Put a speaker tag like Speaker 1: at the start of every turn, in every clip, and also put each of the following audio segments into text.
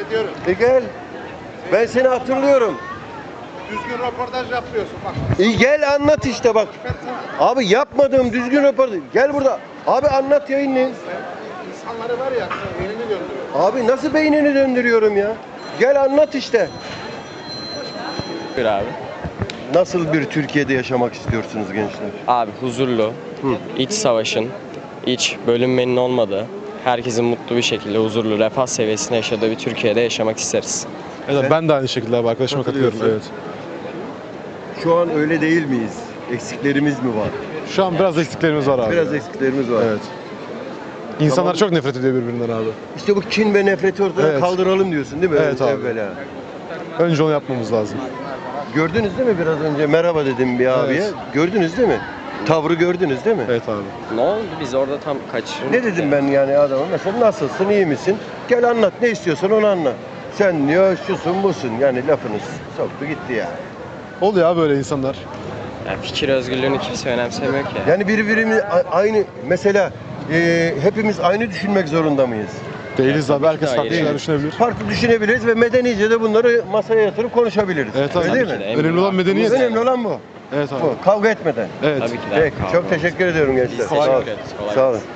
Speaker 1: ediyorum.
Speaker 2: Gel. Ben seni hatırlıyorum.
Speaker 1: Düzgün röportaj yapmıyorsun bak.
Speaker 2: Gel anlat işte bak. Abi yapmadığım düzgün röportaj. Gel burada. Abi anlat yayınlayın.
Speaker 1: İnsanları var ya, elini gönderiyor.
Speaker 2: Abi nasıl beynini döndürüyorum ya? Gel anlat işte.
Speaker 3: Bir abi.
Speaker 2: Nasıl bir Türkiye'de yaşamak istiyorsunuz gençler?
Speaker 3: Abi huzurlu, iç savaşın, iç bölünmenin olmadığı, herkesin mutlu bir şekilde huzurlu, refah seviyesinde yaşadığı bir Türkiye'de yaşamak isteriz.
Speaker 4: Evet, ben de aynı şekilde abi arkadaşıma katılıyorum. Evet.
Speaker 2: Şu an öyle değil miyiz? Eksiklerimiz mi var?
Speaker 4: Şu an biraz eksiklerimiz var abi.
Speaker 2: Biraz eksiklerimiz var.
Speaker 4: Evet. İnsanlar
Speaker 2: Tamam.
Speaker 4: çok nefret ediyor birbirinden abi.
Speaker 2: İşte bu kin ve nefreti ortadan
Speaker 4: Evet.
Speaker 2: kaldıralım diyorsun değil mi?
Speaker 4: Evet abi.
Speaker 2: Evvela.
Speaker 4: Önce onu yapmamız lazım.
Speaker 2: Gördünüz değil mi biraz önce merhaba dedim bir abiye.
Speaker 4: Evet.
Speaker 2: Gördünüz değil mi? Tavrı gördünüz değil mi?
Speaker 4: Evet abi.
Speaker 3: Ne oldu? Biz orada tam kaçırdık.
Speaker 2: Ne dedim ben yani adama? Mesela nasılsın, iyi misin? Gel anlat, ne istiyorsan onu anlat. Sen diyor şusun busun yani lafınız soktu gitti ya.
Speaker 4: Oluyor abi böyle insanlar.
Speaker 3: Yani fikir özgürlüğünü kimse önemsemiyor ki.
Speaker 2: Yani birbirimiz aynı mesela hepimiz aynı düşünmek zorunda mıyız?
Speaker 4: Değiliz abi. Herkes
Speaker 3: Hayır,
Speaker 4: farklı şeyler
Speaker 3: evet.
Speaker 4: düşünebilir.
Speaker 2: Farklı düşünebiliriz ve medenice de bunları masaya yatırıp konuşabiliriz.
Speaker 4: Evet abi.
Speaker 2: Öyle değil
Speaker 3: Tabii
Speaker 2: mi?
Speaker 3: ki de.
Speaker 4: Önemli olan medeniyet.
Speaker 2: Önemli olan bu.
Speaker 4: Evet abi.
Speaker 2: Bu. Kavga etmeden.
Speaker 4: Evet.
Speaker 3: Tabii ki de.
Speaker 2: Peki,
Speaker 3: Kavga
Speaker 2: çok
Speaker 3: olmaz.
Speaker 2: teşekkür ediyorum gençler.
Speaker 3: Biz
Speaker 2: Sağ olun.
Speaker 3: teşekkür ederiz. Kolay
Speaker 2: Sağ olun.
Speaker 3: gelsin.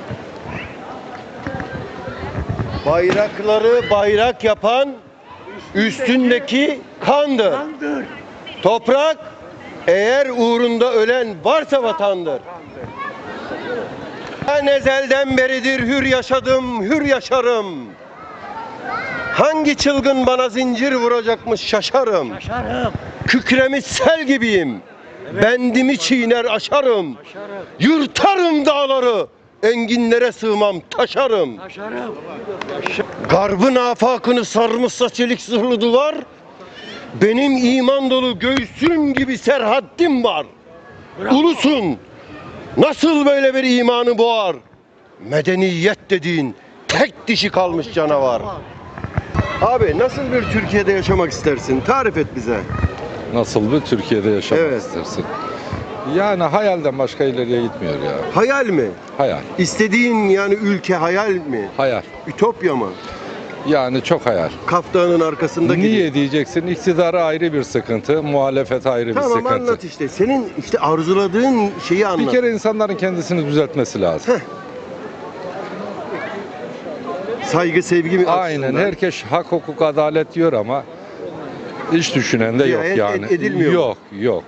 Speaker 2: Bayrakları bayrak yapan üstündeki kandır. Toprak eğer uğrunda ölen varsa vatandır. Ben ezelden beridir hür yaşadım, hür yaşarım. Hangi çılgın bana zincir vuracakmış şaşarım. Kükremiş sel gibiyim. Bendimi çiğner aşarım. Yırtarım dağları. Enginlere sığmam taşarım. Garbın afakını sarmışsa çelik zırhlı duvar. Benim iman dolu göğsüm gibi serhaddim var. Ulusun nasıl böyle bir imanı boğar? Medeniyet dediğin tek dişi kalmış canavar. Abi nasıl bir Türkiye'de yaşamak istersin? Tarif et bize.
Speaker 5: Nasıl bir Türkiye'de yaşamak
Speaker 2: Evet.
Speaker 5: istersin? Yani hayalden başka ileriye gitmiyor ya.
Speaker 2: Hayal mi?
Speaker 5: Hayal.
Speaker 2: İstediğin yani ülke hayal mi?
Speaker 5: Hayal.
Speaker 2: Ütopya mı?
Speaker 5: Yani çok hayal.
Speaker 2: Kaftanın arkasında
Speaker 5: Niye diyeceksin? İktidara ayrı bir sıkıntı, muhalefet ayrı bir
Speaker 2: Tamam
Speaker 5: sıkıntı.
Speaker 2: anlat işte. Senin işte arzuladığın şeyi anlat.
Speaker 5: Bir kere insanların kendisini düzeltmesi lazım.
Speaker 2: Saygı, sevgi mi
Speaker 5: Aynen.
Speaker 2: açısından?
Speaker 5: Herkes hak, hukuk, adalet diyor ama hiç düşünen de yok
Speaker 2: Riayet
Speaker 5: yani.
Speaker 2: edilmiyor mu?
Speaker 5: Yok.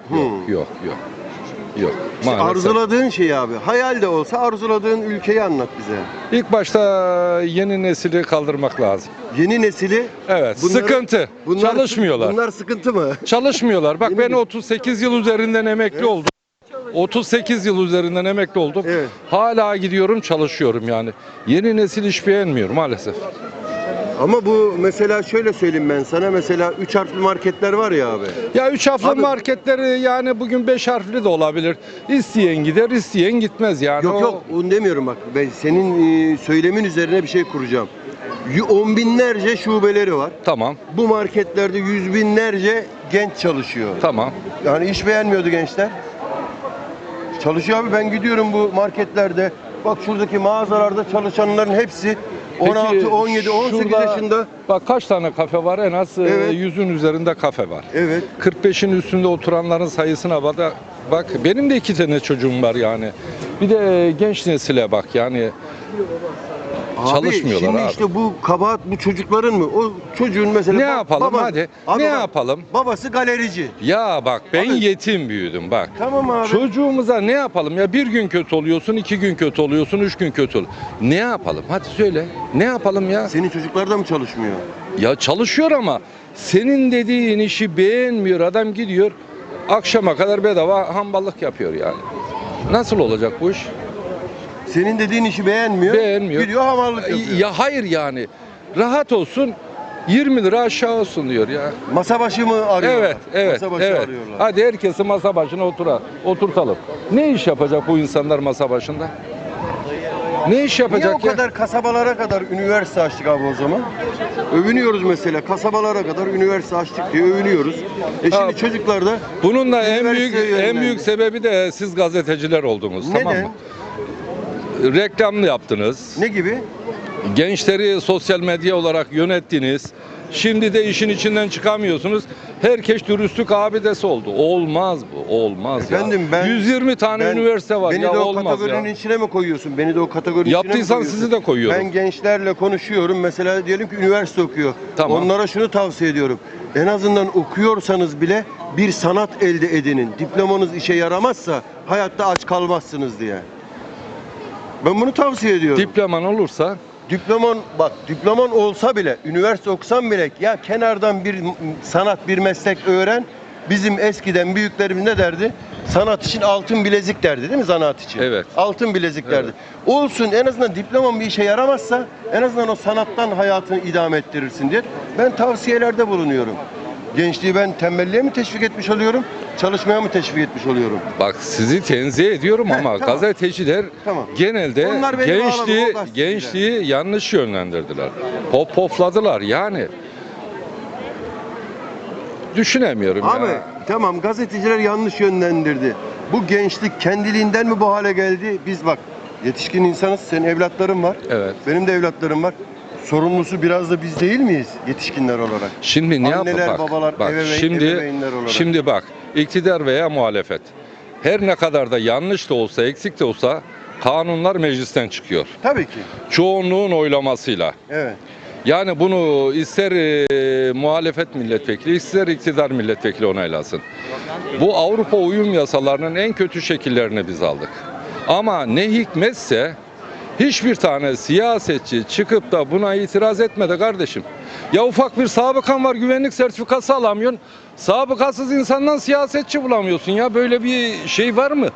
Speaker 5: Yok. Maalesef.
Speaker 2: Arzuladığın şey abi. Hayal de olsa arzuladığın ülkeyi anlat bize.
Speaker 5: İlk başta yeni nesili kaldırmak lazım.
Speaker 2: Yeni nesili
Speaker 5: Evet. Sıkıntı. Çalışmıyorlar.
Speaker 2: Bunlar sıkıntı mı?
Speaker 5: Çalışmıyorlar. Bak
Speaker 2: Yeni
Speaker 5: ben
Speaker 2: bir-
Speaker 5: 38 yıl üzerinden emekli oldum. 38 yıl üzerinden emekli oldum.
Speaker 2: Evet.
Speaker 5: Hala gidiyorum çalışıyorum yani. Yeni nesil iş beğenmiyor maalesef.
Speaker 2: Ama bu mesela şöyle söyleyeyim ben sana. Mesela 3 harfli marketler var ya abi.
Speaker 5: Ya 3 harfli
Speaker 2: Abi-
Speaker 5: marketleri yani bugün 5 harfli de olabilir. İsteyen gider, isteyen gitmez yani.
Speaker 2: Yok onu demiyorum bak. Ben senin söylemin üzerine bir şey kuracağım. 10 binlerce şubeleri var.
Speaker 5: Tamam,
Speaker 2: Bu marketlerde 100 binlerce genç çalışıyor.
Speaker 5: tamam.
Speaker 2: Yani iş beğenmiyordu gençler. Çalışıyor abi, ben gidiyorum bu marketlerde. Bak şuradaki mağazalarda çalışanların hepsi 16,
Speaker 5: Peki,
Speaker 2: 17, 18
Speaker 5: şurada
Speaker 2: yaşında.
Speaker 5: Bak kaç tane kafe var? En az
Speaker 2: Evet.
Speaker 5: 100'ün üzerinde kafe var.
Speaker 2: Evet.
Speaker 5: 45'in üstünde oturanların sayısına bak benim de 2 tane çocuğum var yani. Bir de genç nesile bak yani çalışmıyorlar
Speaker 2: şimdi
Speaker 5: abi.
Speaker 2: işte bu kabahat bu çocukların mı? O çocuğun mesela
Speaker 5: Ne yapalım hadi?
Speaker 2: Abi
Speaker 5: Ne
Speaker 2: bak,
Speaker 5: yapalım?
Speaker 2: Babası galerici.
Speaker 5: Ya bak ben
Speaker 2: Abi-
Speaker 5: yetim büyüdüm bak.
Speaker 2: Tamam abi.
Speaker 5: Çocuğumuza ne yapalım ya, bir gün kötü oluyorsun, 2 gün kötü oluyorsun, 3 gün kötü ol. Ne yapalım? Hadi söyle. Ne yapalım ya?
Speaker 2: Senin çocuklar da mı çalışmıyor?
Speaker 5: Ya çalışıyor ama senin dediğin işi beğenmiyor. Adam gidiyor akşama kadar bedava hamballık yapıyor yani. Nasıl olacak bu iş?
Speaker 2: Senin dediğin işi beğenmiyor.
Speaker 5: Beğenmiyor.
Speaker 2: Gidiyor hamallık yapıyor.
Speaker 5: Ya hayır yani. Rahat olsun. 20 lira aşağı olsun diyor ya.
Speaker 2: Masa başı mı arıyorlar?
Speaker 5: Evet,
Speaker 2: Masa başı
Speaker 5: evet.
Speaker 2: arıyorlar.
Speaker 5: Hadi herkesi masa başına oturtalım. Ne iş yapacak bu insanlar masa başında? Ne iş
Speaker 2: Niye
Speaker 5: yapacak
Speaker 2: o
Speaker 5: ya?
Speaker 2: kadar kasabalara kadar üniversite açtık abi o zaman? Övünüyoruz mesela, kasabalara kadar üniversite açtık diye övünüyoruz. Şimdi
Speaker 5: Ha,
Speaker 2: çocuklar da
Speaker 5: Bunun da en
Speaker 2: üniversiteye
Speaker 5: büyük
Speaker 2: yönlendi.
Speaker 5: sebebi de siz gazeteciler oldunuz. Tamam
Speaker 2: Neden?
Speaker 5: mı? Reklamlı yaptınız.
Speaker 2: Ne gibi?
Speaker 5: Gençleri sosyal medya olarak yönettiniz. Şimdi de işin içinden çıkamıyorsunuz. Herkes dürüstlük abidesi oldu. Olmaz bu. Olmaz
Speaker 2: Efendim
Speaker 5: ya. 120 tane üniversite var
Speaker 2: beni
Speaker 5: ya,
Speaker 2: de o
Speaker 5: olmaz
Speaker 2: kategorinin
Speaker 5: ya.
Speaker 2: içine mi koyuyorsun? Beni de o kategorinin içine mi
Speaker 5: Yaptıysan
Speaker 2: koyuyorsun?
Speaker 5: sizi de koyuyorum.
Speaker 2: Ben gençlerle konuşuyorum. Mesela diyelim ki üniversite okuyor.
Speaker 5: Tamam.
Speaker 2: Onlara şunu tavsiye ediyorum. En azından okuyorsanız bile bir sanat elde edinin. Diplomanız işe yaramazsa hayatta aç kalmazsınız diye. Ben bunu tavsiye ediyorum.
Speaker 5: Diploman olursa
Speaker 2: Diploman olsa bile, üniversite okusan bile ya kenardan bir sanat, bir meslek öğren. Bizim eskiden büyüklerimiz ne derdi? Sanat için altın bilezik derdi değil mi zanaat için?
Speaker 5: Evet.
Speaker 2: Altın bilezik derdi. Olsun, en azından diploman bir işe yaramazsa en azından o sanattan hayatını idame ettirirsin diye ben tavsiyelerde bulunuyorum. Gençliği ben tembelliğe mi teşvik etmiş oluyorum, çalışmaya mı teşvik etmiş oluyorum?
Speaker 5: bak, sizi tenzih ediyorum ama
Speaker 2: tamam.
Speaker 5: gazeteciler
Speaker 2: Tamam.
Speaker 5: genelde
Speaker 2: Onlar beni bağladı, o gazeteciler.
Speaker 5: gençliği yanlış yönlendirdiler. Pofladılar yani. Düşünemiyorum
Speaker 2: Abi
Speaker 5: ya.
Speaker 2: tamam, gazeteciler yanlış yönlendirdi. Bu gençlik kendiliğinden mi bu hale geldi? Biz bak yetişkin insanız, senin evlatların var.
Speaker 5: Evet.
Speaker 2: Benim de evlatlarım var. Sorumlusu biraz da biz değil miyiz yetişkinler olarak?
Speaker 5: Şimdi ne
Speaker 2: Anneler,
Speaker 5: yapıp
Speaker 2: babalar, ebeveynler olarak.
Speaker 5: şimdi bak, iktidar veya muhalefet her ne kadar da yanlış da olsa, eksik de olsa kanunlar meclisten çıkıyor.
Speaker 2: Tabii ki.
Speaker 5: Çoğunluğun oylamasıyla.
Speaker 2: Evet.
Speaker 5: Yani bunu ister muhalefet milletvekili, ister iktidar milletvekili onaylasın. Bu Avrupa uyum yasalarının en kötü şekillerini biz aldık. Ama ne hikmetse hiçbir tane siyasetçi çıkıp da buna itiraz etmedi kardeşim. Ya ufak bir sabıkan var, güvenlik sertifikası alamıyorsun. Sabıkasız insandan siyasetçi bulamıyorsun ya. Böyle bir şey var mı?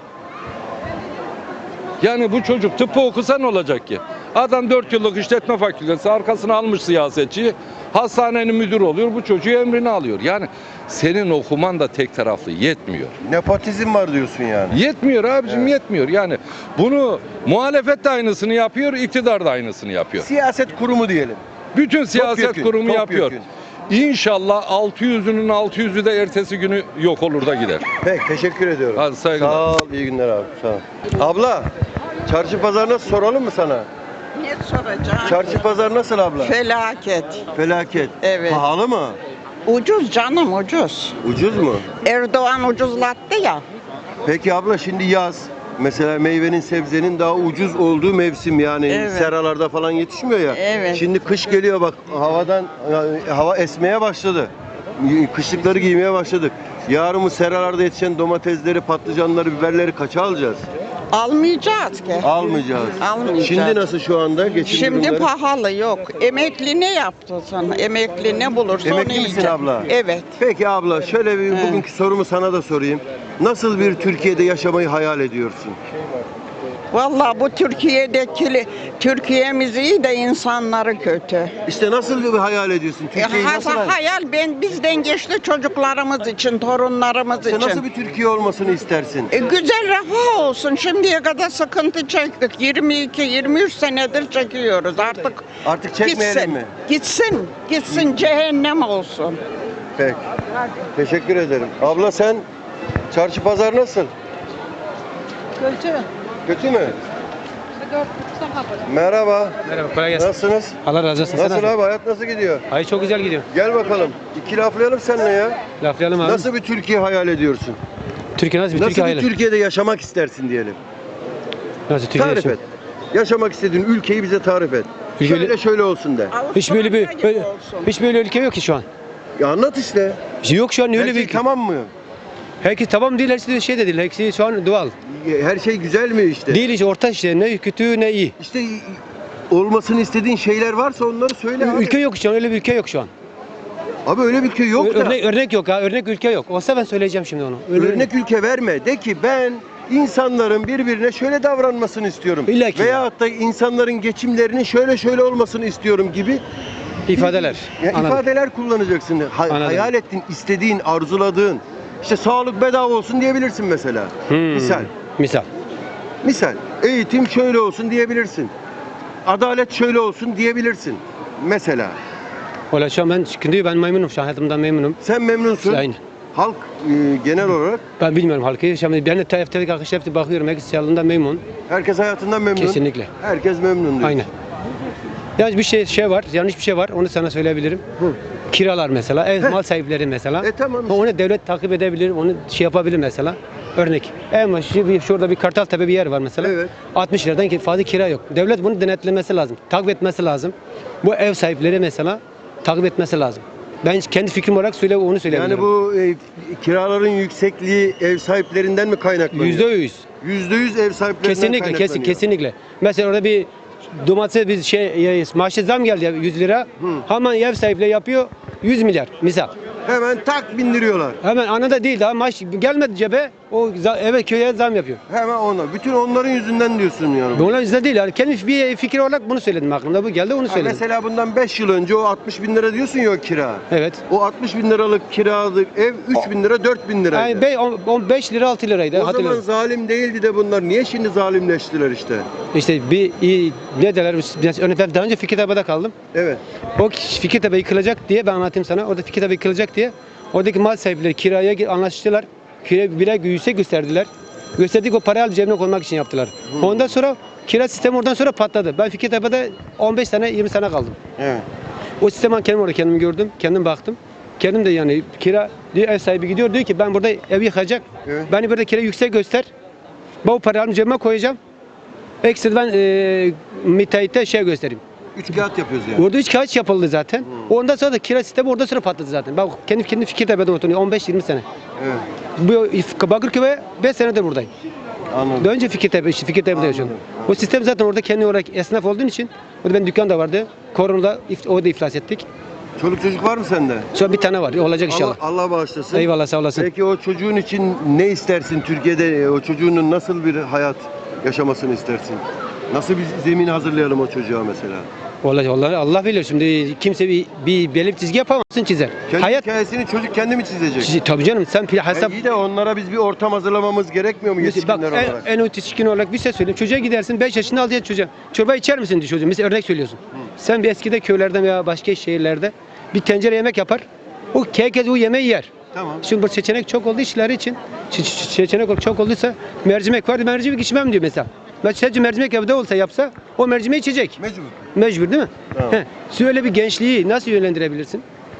Speaker 5: Yani bu çocuk tıbbı okusa ne olacak ki? Adam 4 yıllık işletme fakültesi, arkasına almış siyasetçiyi, hastanenin müdürü oluyor, bu çocuğu emrine alıyor. Yani senin okuman da tek taraflı yetmiyor.
Speaker 2: Nepotizm var diyorsun yani.
Speaker 5: Yetmiyor abicim,
Speaker 2: Evet.
Speaker 5: yetmiyor. Yani bunu muhalefet de aynısını yapıyor, iktidar da aynısını yapıyor.
Speaker 2: Siyaset kurumu diyelim.
Speaker 5: Bütün siyaset
Speaker 2: Topyekün,
Speaker 5: kurumu yapıyor.
Speaker 2: topyekün.
Speaker 5: İnşallah 600'ünün 600'ü de ertesi günü yok olur da gider.
Speaker 2: Peki, teşekkür ediyorum.
Speaker 5: Hadi saygılar.
Speaker 2: Sağ ol, iyi günler abi. Sağ ol. Abla, çarşı pazar nasıl, soralım mı sana?
Speaker 6: Ne soracağım?
Speaker 2: Çarşı pazar nasıl abla?
Speaker 6: Felaket.
Speaker 2: Felaket.
Speaker 6: Evet.
Speaker 2: Pahalı mı?
Speaker 6: Ucuz canım, ucuz.
Speaker 2: Ucuz mu?
Speaker 6: Erdoğan ucuzlattı ya.
Speaker 2: Peki abla, şimdi yaz. Mesela meyvenin, sebzenin daha ucuz olduğu mevsim, yani
Speaker 6: Evet.
Speaker 2: seralarda falan yetişmiyor ya.
Speaker 6: Evet.
Speaker 2: Şimdi kış geliyor bak, hava esmeye başladı. Kışlıkları giymeye başladık. Yarın bu seralarda yetişen domatesleri, patlıcanları, biberleri kaça alacağız?
Speaker 6: Almayacağız ki.
Speaker 2: Almayacağız.
Speaker 6: Almayacağız.
Speaker 2: Şimdi nasıl şu anda geçim
Speaker 6: Şimdi
Speaker 2: durumları?
Speaker 6: pahalı yok. Emekli ne yaptı sana? Emekli ne bulursa onu
Speaker 2: Emekli misin
Speaker 6: yiyecek.
Speaker 2: abla?
Speaker 6: Evet.
Speaker 2: Peki abla, şöyle bir bugünkü sorumu sana da sorayım. Nasıl bir Türkiye'de yaşamayı hayal ediyorsun?
Speaker 6: Vallahi bu Türkiye'miz iyi de insanları kötü.
Speaker 2: İşte nasıl bir hayal ediyorsun? Türkiye'yi nasıl
Speaker 6: Hayal bizden geçti, çocuklarımız için, torunlarımız
Speaker 2: İşte
Speaker 6: için.
Speaker 2: nasıl bir Türkiye olmasını istersin?
Speaker 6: Güzel, refah olsun. Şimdiye kadar sıkıntı çektik. 22-23 senedir çekiyoruz.
Speaker 2: Artık çekmeyelim
Speaker 6: gitsin,
Speaker 2: mi?
Speaker 6: Gitsin cehennem olsun.
Speaker 2: Peki. Teşekkür ederim. Abla, sen çarşı pazar nasıl?
Speaker 7: Kötü.
Speaker 2: Kötü mü? Merhaba.
Speaker 7: Merhaba, kolay gelsin.
Speaker 2: Nasılsınız?
Speaker 7: Allah razı olsun.
Speaker 2: Nasıl abi? Hayat nasıl gidiyor?
Speaker 7: Ay çok güzel gidiyor.
Speaker 2: Gel bakalım. İki laflayalım seninle ya.
Speaker 7: Laflayalım abi.
Speaker 2: Nasıl bir Türkiye hayal ediyorsun?
Speaker 7: Türkiye nasıl bir
Speaker 2: Nasıl
Speaker 7: Türkiye
Speaker 2: bir
Speaker 7: hayali?
Speaker 2: Türkiye'de yaşamak istersin diyelim.
Speaker 7: Nasıl Türkiye
Speaker 2: Tarif
Speaker 7: yaşıyor?
Speaker 2: et. Yaşamak istediğin ülkeyi bize tarif et.
Speaker 7: Ülke-
Speaker 2: Şöyle olsun de.
Speaker 7: Hiç böyle bir
Speaker 6: Avustralya
Speaker 7: böyle,
Speaker 6: gibi olsun.
Speaker 7: hiç böyle ülke yok ki şu an.
Speaker 2: Ya anlat işte.
Speaker 7: Yok şu an öyle
Speaker 2: Her
Speaker 7: bir
Speaker 2: şey
Speaker 7: ülke.
Speaker 2: tamam mı?
Speaker 7: Herkes tamam değil, hepsi de şey de değil. Hepsi şu an doğal.
Speaker 2: Her şey güzel mi işte?
Speaker 7: Değil işte orta işte, ne kötü ne iyi.
Speaker 2: İşte olmasını istediğin şeyler varsa onları söyle abi.
Speaker 7: Ülke yok şu an, öyle bir ülke yok şu an.
Speaker 2: Abi öyle bir ülke yok da.
Speaker 7: Örnek yok ha, örnek ülke yok. Olsa ben söyleyeceğim şimdi onu.
Speaker 2: Örnek ülke verme. De ki ben insanların birbirine şöyle davranmasını istiyorum.
Speaker 7: İlla ki.
Speaker 2: Veyahut da insanların geçimlerinin şöyle olmasını istiyorum gibi
Speaker 7: ifadeler.
Speaker 2: ya
Speaker 7: Anladım.
Speaker 2: ifadeler kullanacaksın.
Speaker 7: Anladım.
Speaker 2: Hayal ettiğin, istediğin, arzuladığın. İşte sağlık bedava olsun diyebilirsin mesela. Misal.
Speaker 7: Misal.
Speaker 2: Eğitim şöyle olsun diyebilirsin. Adalet şöyle olsun diyebilirsin. Mesela.
Speaker 7: Valla şu an ben memnunum şu an, hayatımdan memnunum.
Speaker 2: Sen memnunsun.
Speaker 7: Aynen.
Speaker 2: Halk genel olarak
Speaker 7: Ben bilmiyorum halkı. Şimdi ben de teftelik arkadaşlar hepsi bakıyorum. Herkes yanından memnun.
Speaker 2: herkes hayatından memnun.
Speaker 7: Kesinlikle.
Speaker 2: Herkes memnun diyor.
Speaker 7: Aynen. Yani bir şey var, yanlış bir şey var. Onu sana söyleyebilirim. kiralar mesela, ev mal sahipleri mesela.
Speaker 2: Tamam işte.
Speaker 7: Onu devlet takip edebilir, onu şey yapabilir mesela. Örnek. En başı şurada bir Kartaltepe bir yer var mesela.
Speaker 2: Evet.
Speaker 7: 60 liradan fazla kira yok. Devlet bunu denetlemesi lazım. Takip etmesi lazım. Bu ev sahipleri mesela takip etmesi lazım. Ben kendi fikrim olarak onu söyleyebilirim.
Speaker 2: Yani bu kiraların yüksekliği ev sahiplerinden mi kaynaklanıyor?
Speaker 7: %100.
Speaker 2: %100 ev sahiplerinden
Speaker 7: Kesinlikle,
Speaker 2: kaynaklanıyor.
Speaker 7: kesinlikle. Mesela orada bir domatese bir maaşı zam geldi ya, 100 lira. Hemen ev sahipleri yapıyor 100 milyar misal.
Speaker 2: Hemen tak bindiriyorlar.
Speaker 7: Hemen anında değil, daha maaş gelmedi cebe, o eve köye zam yapıyor.
Speaker 2: Hemen onlar. Bütün onların yüzünden diyorsun yani.
Speaker 7: Bunlar yüzden değil yani, kendi bir fikir olarak bunu söyledim, aklımda bu geldi, onu söyledim.
Speaker 2: Mesela bundan 5 yıl önce o 60 bin lira diyorsun ya o kira.
Speaker 7: Evet.
Speaker 2: O 60 bin liralık kiralık ev 3 bin lira 4 bin liraydı.
Speaker 7: Yani 15 lira 6 liraydı,
Speaker 2: O zaman
Speaker 7: hatırlıyorum.
Speaker 2: zalim değildi de bunlar. Niye şimdi zalimleştiler işte?
Speaker 7: İşte ne derler, ben daha önce Fikirtepe'de kaldım.
Speaker 2: Evet.
Speaker 7: O Fikirtepe yıkılacak diye, ben anlatayım sana, orada Fikirtepe yıkılacak diye oradaki mal sahipleri kiraya anlaştılar. Kira bire yüksek gösterdiler. Gösterdik, o parayı alıp cebine koymak için yaptılar. Ondan sonra kira sistemi oradan sonra patladı. Ben Fikirtepe'de 15 sene 20 sene kaldım.
Speaker 2: Evet.
Speaker 7: O sistemi kendim orada kendim gördüm. Kendim baktım. Kendim de yani kira diyor, ev sahibi gidiyor diyor ki ben burada ev yıkacak.
Speaker 2: Evet.
Speaker 7: Beni burada kira yüksek göster. Ben o parayı alıp cebime koyacağım. Ekstra ben müteahhite şey göstereyim.
Speaker 2: 3 kağıt yapıyoruz yani.
Speaker 7: Orada 3 kağıt yapıldı zaten. Ondan sonra da kira sistemi orada sonra patladı zaten. Ben kendi Fikirtepe'de oturuyorum 15-20 sene.
Speaker 2: Evet.
Speaker 7: Bu Bakırköy'e 5 senedir buradayım.
Speaker 2: Anladım.
Speaker 7: Daha önce Fikirtepe'de yaşıyordum. O sistem zaten orada kendi olarak esnaf olduğun için, orada benim dükkan da vardı. Koronada o da iflas ettik.
Speaker 2: Çoluk çocuk var mı sende?
Speaker 7: Şu an bir tane var. Olacak inşallah.
Speaker 2: Allah bağışlasın.
Speaker 7: Eyvallah, sağ olasın.
Speaker 2: Peki o çocuğun için ne istersin Türkiye'de? O çocuğunun nasıl bir hayat yaşamasını istersin? Nasıl bir zemin hazırlayalım o çocuğa mesela?
Speaker 7: Vallahi Allah bilir, şimdi kimse bir belirli çizgi yapamazsın, çizer.
Speaker 2: Kendi
Speaker 7: Hayat
Speaker 2: hikayesini çocuk kendi mi çizecek?
Speaker 7: tabii canım, sen hesap
Speaker 2: İyi de onlara biz bir ortam hazırlamamız gerekmiyor mu
Speaker 7: bak,
Speaker 2: yetişkinler olarak?
Speaker 7: en yetişkin olarak bir şey söyleyeyim. Çocuğa gidersin, 5 yaşında 6 yaşında çocuğa. Çorba içer misin diye çocuğa. Mesela örnek söylüyorsun. Sen bir eskide köylerden veya başka şehirlerde bir tencere yemek yapar. Herkes o yemeği yer.
Speaker 2: Tamam.
Speaker 7: Şimdi bu seçenek çok olduğu işleri için, seçenek çok olduysa mercimek var, mercimek içmem diyor mesela. Sadece mercimek evde olsa yapsa o mercimeği içecek.
Speaker 2: Mecbur.
Speaker 7: Mecbur değil mi?
Speaker 2: Tamam.
Speaker 7: Sen öyle bir gençliği nasıl yönlendirebilirsin?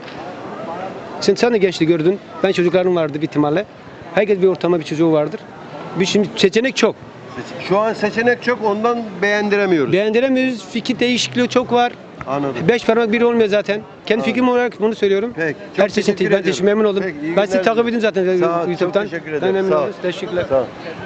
Speaker 7: Sen de gençliği gördün. Ben çocuklarım vardı bir ihtimalle. Herkes bir ortama bir çocuğu vardır. Şimdi seçenek çok.
Speaker 2: Şu an seçenek çok, ondan beğendiremiyoruz.
Speaker 7: Beğendiremiyoruz. Fikir değişikliği çok var.
Speaker 2: Anladım.
Speaker 7: 5 parmak biri olmuyor zaten. Kendi fikrim olarak bunu söylüyorum.
Speaker 2: Peki, çok
Speaker 7: Her seçenek
Speaker 2: teşekkür
Speaker 7: ben
Speaker 2: ediyorum.
Speaker 7: memnun oldum.
Speaker 2: Peki, iyi
Speaker 7: Ben sizi
Speaker 2: günler
Speaker 7: takip
Speaker 2: diliyorum.
Speaker 7: edeyim zaten
Speaker 2: Sağ ol, çok
Speaker 7: YouTube'dan.
Speaker 2: teşekkür
Speaker 7: Ben
Speaker 2: ederim.
Speaker 7: memnun
Speaker 2: Sağ ol.
Speaker 7: oldum. Teşekkürler.
Speaker 2: Sağ ol.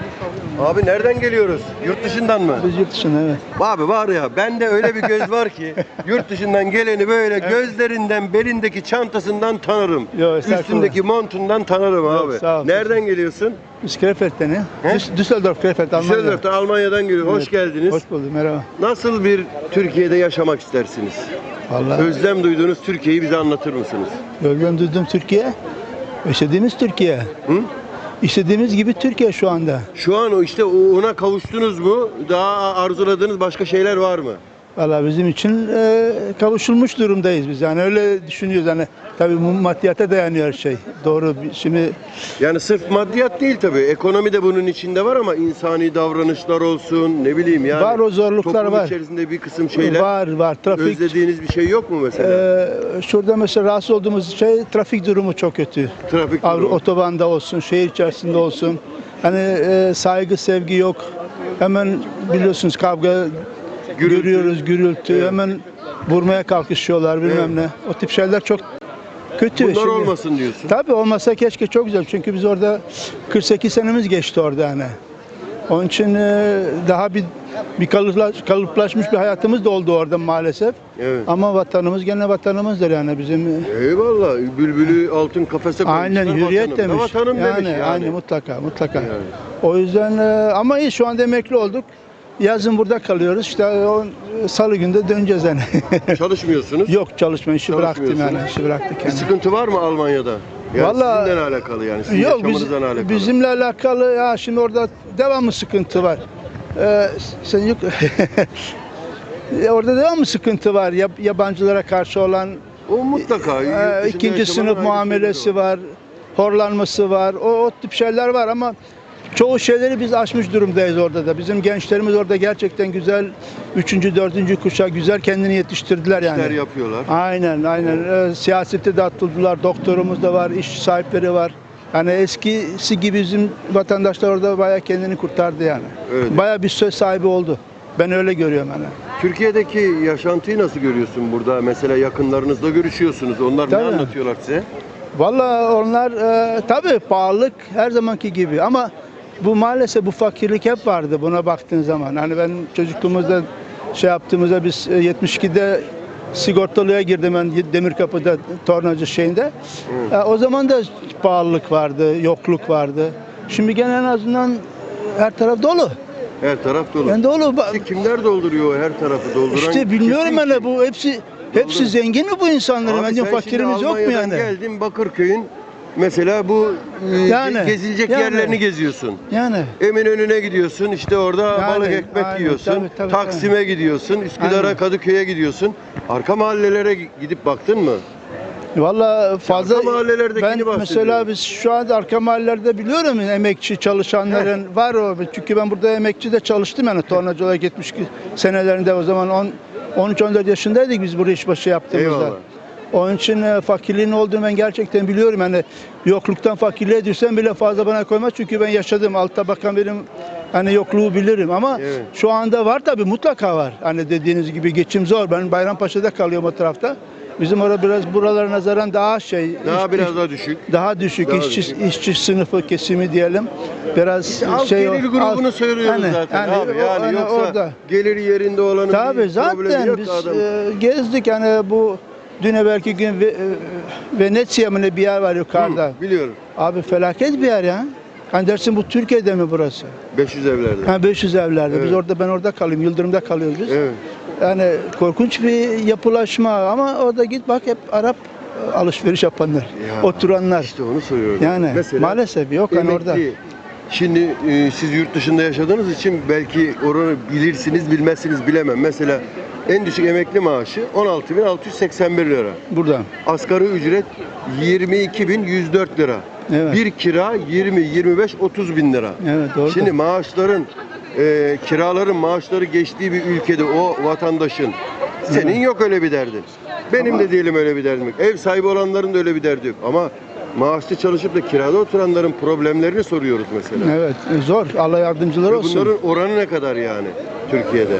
Speaker 2: Abi nereden geliyoruz? Yurt dışından mı?
Speaker 8: Biz yurt dışında, evet.
Speaker 2: Abi var ya, bende öyle bir göz var ki yurt dışından geleni böyle gözlerinden, belindeki çantasından tanırım.
Speaker 8: Yo, estağfurullah.
Speaker 2: Üstündeki montundan tanırım abi.
Speaker 8: sağ ol.
Speaker 2: Nereden geliyorsun?
Speaker 8: Biz Krefeld'den ya.
Speaker 2: He?
Speaker 8: Düsseldorf, Krefeld, Almanya.
Speaker 2: Düsseldorf'tan, Almanya'dan geliyorum. Hoş
Speaker 8: Evet.
Speaker 2: geldiniz.
Speaker 8: Hoş bulduk, merhaba.
Speaker 2: Nasıl bir Türkiye'de yaşamak istersiniz?
Speaker 8: Vallahi
Speaker 2: Özlem duyduğunuz Türkiye'yi bize anlatır mısınız?
Speaker 8: özlem duydum Türkiye. İstediğimiz Türkiye.
Speaker 2: Hı?
Speaker 8: İstediğimiz gibi Türkiye şu anda.
Speaker 2: Şu an o işte ona kavuştunuz mu? Daha arzuladığınız başka şeyler var mı?
Speaker 8: Vallahi bizim için kavuşulmuş durumdayız biz. Yani öyle düşünüyoruz. Yani tabii bu maddiyata dayanıyor her şey. Doğru. Şimdi
Speaker 2: Yani sırf maddiyat değil tabii. Ekonomi de bunun içinde var ama insani davranışlar olsun, ne bileyim yani.
Speaker 8: Var, o zorluklar
Speaker 2: toplum
Speaker 8: var.
Speaker 2: içerisinde bir kısım şeyler.
Speaker 8: var. Trafik.
Speaker 2: Özlediğiniz bir şey yok mu mesela?
Speaker 8: Şurada mesela rahatsız olduğumuz şey, trafik durumu çok kötü.
Speaker 2: Trafik durumu.
Speaker 8: Otobanda olsun, şehir içerisinde olsun. Hani saygı, sevgi yok. Hemen biliyorsunuz kavga
Speaker 2: Gürültü.
Speaker 8: görüyoruz, gürültü.
Speaker 2: Evet.
Speaker 8: Hemen vurmaya kalkışıyorlar bilmem
Speaker 2: Evet.
Speaker 8: ne. O tip şeyler çok kötü.
Speaker 2: Bunlar
Speaker 8: Şimdi-
Speaker 2: olmasın diyorsun.
Speaker 8: Tabii olmasa keşke, çok güzel. Çünkü biz orada 48 senemiz geçti orada hani. Onun için daha bir kalıplaşmış bir hayatımız da oldu orada maalesef.
Speaker 2: Evet.
Speaker 8: Ama vatanımız gene vatanımızdır yani bizim.
Speaker 2: Eyvallah. Bülbülü altın kafese koymuşlar.
Speaker 8: Aynen, hürriyet
Speaker 2: vatanım.
Speaker 8: demiş.
Speaker 2: Vatanım
Speaker 8: yani,
Speaker 2: demiş yani.
Speaker 8: Aynen, mutlaka.
Speaker 2: Yani.
Speaker 8: O yüzden ama iyi, şu anda emekli olduk. Yazın burada kalıyoruz. İşte o salı günde döneceğiz yani.
Speaker 2: Çalışmıyorsunuz.
Speaker 8: Yok, çalışma işi bıraktım yani.
Speaker 2: Çalışmıyorsunuz.
Speaker 8: İşi bıraktık
Speaker 2: Bir
Speaker 8: yani.
Speaker 2: sıkıntı var mı Almanya'da? Yani
Speaker 8: Vallahi-
Speaker 2: sizinle alakalı yani. Sizin
Speaker 8: Yok,
Speaker 2: yaşamınızla alakalı.
Speaker 8: bizimle alakalı ya, şimdi orada devamlı sıkıntı var. Sen yok. Orada devamlı sıkıntı var. Yabancılara karşı olan
Speaker 2: O mutlaka. Yurt dışında
Speaker 8: ikinci
Speaker 2: yaşamanın
Speaker 8: sınıf
Speaker 2: ayrı
Speaker 8: muamelesi
Speaker 2: şeyleri
Speaker 8: var. Horlanması var. O tip şeyler var ama çoğu şeyleri biz aşmış durumdayız orada da. Bizim gençlerimiz orada gerçekten güzel 3. 4. kuşak güzel kendini yetiştirdiler yani.
Speaker 2: İşler yapıyorlar.
Speaker 8: Aynen. Siyasete de atıldılar. Doktorumuz da var, iş sahipleri var. Yani eskisi gibi bizim vatandaşlar orada bayağı kendini kurtardı yani.
Speaker 2: Öyle.
Speaker 8: Bayağı bir söz sahibi oldu. Ben öyle görüyorum yani.
Speaker 2: Türkiye'deki yaşantıyı nasıl görüyorsun burada? Mesela yakınlarınızla görüşüyorsunuz. Onlar
Speaker 8: Tabii.
Speaker 2: ne anlatıyorlar size?
Speaker 8: Vallahi onlar tabii pahalılık her zamanki gibi ama bu maalesef bu fakirlik hep vardı buna baktığın zaman. Hani ben çocukluğumuzda şey yaptığımızda biz 72'de sigortalıya girdim ben Demirkapı'da tornacı şeyinde. O zaman da pahalılık vardı, yokluk vardı. Şimdi gene en azından her taraf dolu.
Speaker 2: Her taraf dolu.
Speaker 8: Yani dolu.
Speaker 2: İşte kimler dolduruyor her tarafı dolduran?
Speaker 8: İşte bilmiyorum
Speaker 2: kesin
Speaker 8: hani
Speaker 2: kim?
Speaker 8: bu hepsi zengin mi bu insanların?
Speaker 2: Abi
Speaker 8: Bence
Speaker 2: sen
Speaker 8: fakirimiz
Speaker 2: şimdi
Speaker 8: yok mu
Speaker 2: Almanya'dan
Speaker 8: yani?
Speaker 2: geldin Bakırköy'ün mesela bu gezilecek yerlerini geziyorsun.
Speaker 8: Yani.
Speaker 2: Eminönü'ne gidiyorsun, işte orada
Speaker 8: Yani,
Speaker 2: balık ekmek
Speaker 8: aynen,
Speaker 2: yiyorsun.
Speaker 8: tabii,
Speaker 2: Taksim'e gidiyorsun, Üsküdar'a,
Speaker 8: Aynen.
Speaker 2: Kadıköy'e gidiyorsun. Arka mahallelere gidip baktın mı?
Speaker 8: Valla fazla
Speaker 2: Arka mahallelerdekini
Speaker 8: ben
Speaker 2: bahsediyorum.
Speaker 8: mesela biz şu anda arka mahallelerde biliyorum emekçi çalışanların var o. Çünkü ben burada emekçi de çalıştım yani tornacı olarak 72 senelerinde o zaman 13-14 yaşındaydık biz buraya işbaşı yaptığımızda.
Speaker 2: Eyvallah.
Speaker 8: Onun için fakirliğin olduğunu ben gerçekten biliyorum. Yani yokluktan fakirliğe düşsem bile fazla bana koymaz. Çünkü ben yaşadım. Alt tabakan benim hani yokluğu bilirim ama
Speaker 2: Evet.
Speaker 8: şu anda var tabii mutlaka var. Hani dediğiniz gibi geçim zor. Ben Bayrampaşa'da kalıyorum o tarafta. Bizim orada biraz buralara nazaran daha
Speaker 2: Biraz daha düşük.
Speaker 8: daha düşük
Speaker 2: Daha
Speaker 8: işçi sınıfı kesimi diyelim. Biraz
Speaker 2: Alt gelir grubunu söylüyoruz
Speaker 8: hani,
Speaker 2: zaten
Speaker 8: hani
Speaker 2: abi. Yani
Speaker 8: hani
Speaker 2: yoksa
Speaker 8: orada.
Speaker 2: geliri yerinde olanın
Speaker 8: Tabii
Speaker 2: bir problemi
Speaker 8: zaten
Speaker 2: yok
Speaker 8: biz
Speaker 2: adam.
Speaker 8: gezdik yani bu dün evvelki gün Venezia mı ne bir yer var yukarıda.
Speaker 2: Biliyorum.
Speaker 8: Abi felaket bir yer ya. Hani dersin bu Türkiye'de mi burası?
Speaker 2: 500 evlerde.
Speaker 8: Ha 500 evlerde.
Speaker 2: Evet.
Speaker 8: Ben orada kalıyorum. Yıldırım'da kalıyoruz biz.
Speaker 2: Evet.
Speaker 8: Yani korkunç bir yapılaşma ama orada git bak hep Arap alışveriş yapanlar,
Speaker 2: Ya,
Speaker 8: oturanlar.
Speaker 2: İşte onu soruyorum.
Speaker 8: Yani
Speaker 2: Mesela
Speaker 8: maalesef yok hani orada.
Speaker 2: emekli. Şimdi siz yurt dışında yaşadığınız için belki oranı bilirsiniz, bilmezsiniz bilemem. Mesela en düşük emekli maaşı 16.681 lira.
Speaker 8: Burada.
Speaker 2: Asgari ücret 22.104 lira.
Speaker 8: Evet.
Speaker 2: Bir kira 20, 25, 30 bin lira.
Speaker 8: Evet doğru.
Speaker 2: Şimdi maaşların, kiraların maaşları geçtiği bir ülkede o vatandaşın senin yok öyle bir derdin. Benim de diyelim öyle bir derdim yok. Ev sahibi olanların da öyle bir derdi yok. Ama maaşlı çalışıp da kirada oturanların problemlerini soruyoruz mesela.
Speaker 8: Evet zor. Allah yardımcıları
Speaker 2: Ve
Speaker 8: olsun.
Speaker 2: bunların oranı ne kadar yani Türkiye'de?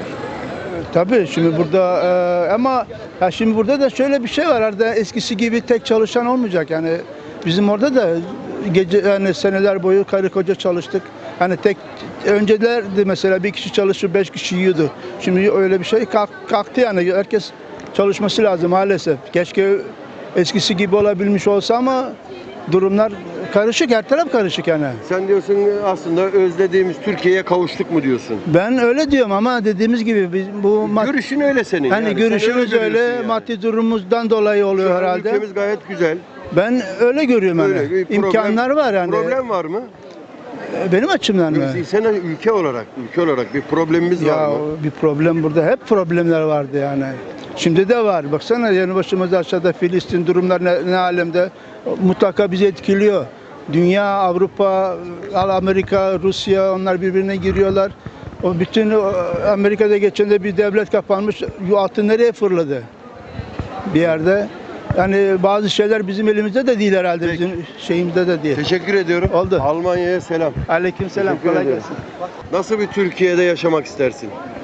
Speaker 8: Tabii şimdi burada ama ya şimdi burada da şöyle bir şey var. Arada eskisi gibi tek çalışan olmayacak. Yani bizim orada da gece yani seneler boyu karı koca çalıştık. Hani öncelerdi mesela bir kişi çalışır 5 kişi yiyordu. Şimdi öyle bir şey kalktı yani. Herkes çalışması lazım maalesef. Keşke eskisi gibi olabilmiş olsa ama durumlar karışık. Her taraf karışık yani.
Speaker 2: Sen diyorsun aslında özlediğimiz Türkiye'ye kavuştuk mu diyorsun?
Speaker 8: Ben öyle diyorum ama dediğimiz gibi biz bu
Speaker 2: Görüşün öyle senin.
Speaker 8: hani
Speaker 2: yani.
Speaker 8: görüşümüz
Speaker 2: Sen
Speaker 8: öyle
Speaker 2: görüyorsun yani.
Speaker 8: maddi durumumuzdan dolayı oluyor
Speaker 2: Şu an
Speaker 8: herhalde.
Speaker 2: Ülkemiz gayet güzel.
Speaker 8: Ben öyle görüyorum yani.
Speaker 2: Öyle bir
Speaker 8: İmkanlar var yani.
Speaker 2: Problem var mı?
Speaker 8: Benim açımdan mı?
Speaker 2: Sen ülke olarak bir problemimiz var
Speaker 8: Ya
Speaker 2: mı?
Speaker 8: bir problem burada. Hep problemler vardı yani. Şimdi de var. Baksana yanı başımızda aşağıda Filistin durumlar ne alemde. Mutlaka bizi etkiliyor. Dünya, Avrupa, Amerika, Rusya onlar birbirine giriyorlar. O bütün Amerika'da geçen de bir devlet kapanmış. Altın nereye fırladı? Bir yerde. Yani bazı şeyler bizim elimizde de değil herhalde.
Speaker 2: Peki.
Speaker 8: Bizim şeyimizde de değil.
Speaker 2: Teşekkür ediyorum.
Speaker 8: Oldu.
Speaker 2: Almanya'ya selam.
Speaker 8: Aleykümselam.
Speaker 2: Teşekkür
Speaker 8: Kolay
Speaker 2: ederim.
Speaker 8: gelsin.
Speaker 2: Nasıl bir Türkiye'de yaşamak istersin?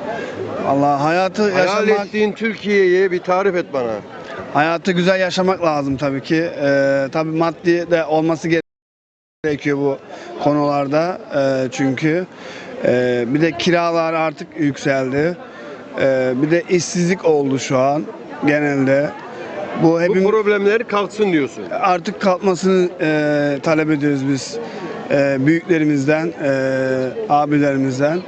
Speaker 9: Allah hayatı
Speaker 2: Hayal
Speaker 9: yaşamak,
Speaker 2: ettiğin Türkiye'yi bir tarif et bana.
Speaker 9: hayatı güzel yaşamak lazım tabii ki. Tabii maddi de olması gerekiyor bu konularda. Çünkü bir de kiralar artık yükseldi. Bir de işsizlik oldu şu an genelde. Bu
Speaker 2: Bu
Speaker 9: hepimiz
Speaker 2: problemler kalksın diyorsun.
Speaker 9: artık kalkmasını talep ediyoruz biz büyüklerimizden, abilerimizden.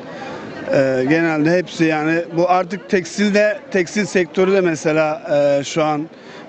Speaker 9: Genelde hepsi yani bu artık tekstil sektörü de mesela şu an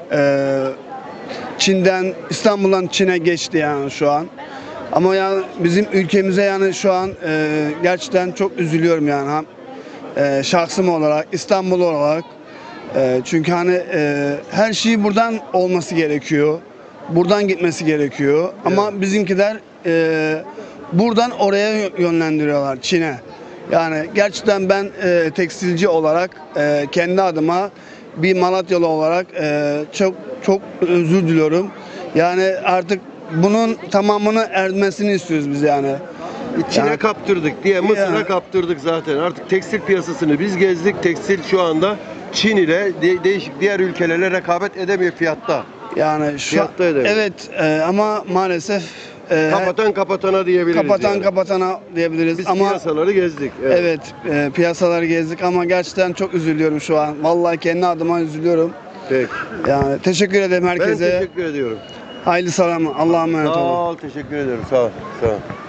Speaker 9: İstanbul'dan Çin'e geçti yani şu an. Ama yani bizim ülkemize yani şu an gerçekten çok üzülüyorum yani şahsım olarak, İstanbul olarak. Çünkü hani her şey buradan olması gerekiyor. Buradan gitmesi gerekiyor. Ama bizimkiler buradan oraya yönlendiriyorlar, Çin'e. Yani gerçekten ben tekstilci olarak kendi adıma bir Malatyalı olarak çok özür diliyorum. Yani artık bunun tamamını ermesini istiyoruz biz yani.
Speaker 2: Çin'e
Speaker 9: Yani-
Speaker 2: kaptırdık diye Mısır'a
Speaker 9: Yani-
Speaker 2: kaptırdık zaten. Artık tekstil piyasasını biz gezdik. Tekstil şu anda Çin ile değişik diğer ülkelerle rekabet edemiyor fiyatta.
Speaker 9: Yani şu
Speaker 2: Fiyatta edemiyor.
Speaker 9: evet ama maalesef
Speaker 2: Kapatan kapatana diyebiliriz. yani.
Speaker 9: kapatana diyebiliriz
Speaker 2: Biz
Speaker 9: ama
Speaker 2: piyasaları gezdik.
Speaker 9: evet piyasaları gezdik ama gerçekten çok üzülüyorum şu an. Vallahi kendi adıma üzülüyorum.
Speaker 2: Peki.
Speaker 9: Yani teşekkür ederim
Speaker 2: Ben
Speaker 9: herkese.
Speaker 2: teşekkür ediyorum.
Speaker 9: Hayırlı selam. Allah'a emanet
Speaker 2: Sağ
Speaker 9: olun.
Speaker 2: ol, teşekkür ederim. Sağ ol. Sağ ol.